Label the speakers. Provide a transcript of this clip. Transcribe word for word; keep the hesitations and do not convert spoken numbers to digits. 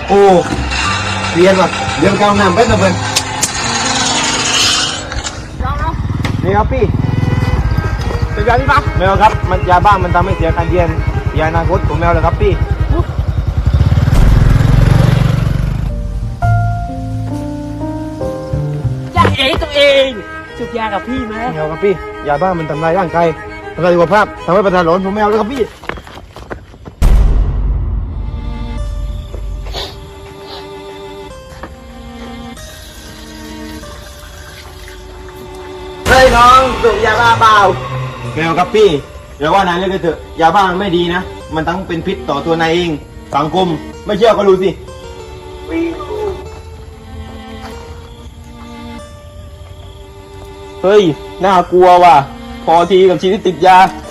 Speaker 1: โอ้เรียนว่ะเรียนกาวน้ำไปนะเพื่อนนี่ครับพี่เป็นยาที่ปะแมวครับมันยาบ้ามันทำให้เสียการเรียนยาอนาคตของแมวเลยครับพี่
Speaker 2: ยาเองตัวเองจุกยากับพี่ไหม
Speaker 1: แมวครับพี่ยาบ้ามันทำลายร่างกายทำลายสุขภาพทำให้ประสาทหลอนผมแมวเลยครับพี่เฮ้ยน้องสูบยาบ้าเปล่าแมวครับพี่เดี๋ยวว่านายเลิกกันเถอะยาบ้ามันไม่ดีนะมันทั้งเป็นพิษต่อตัวนายเองสังคมไม่เชื่อก็รู้สิเฮ้ยน่ากลัวว่ะพอทีกับชีวิตติดยา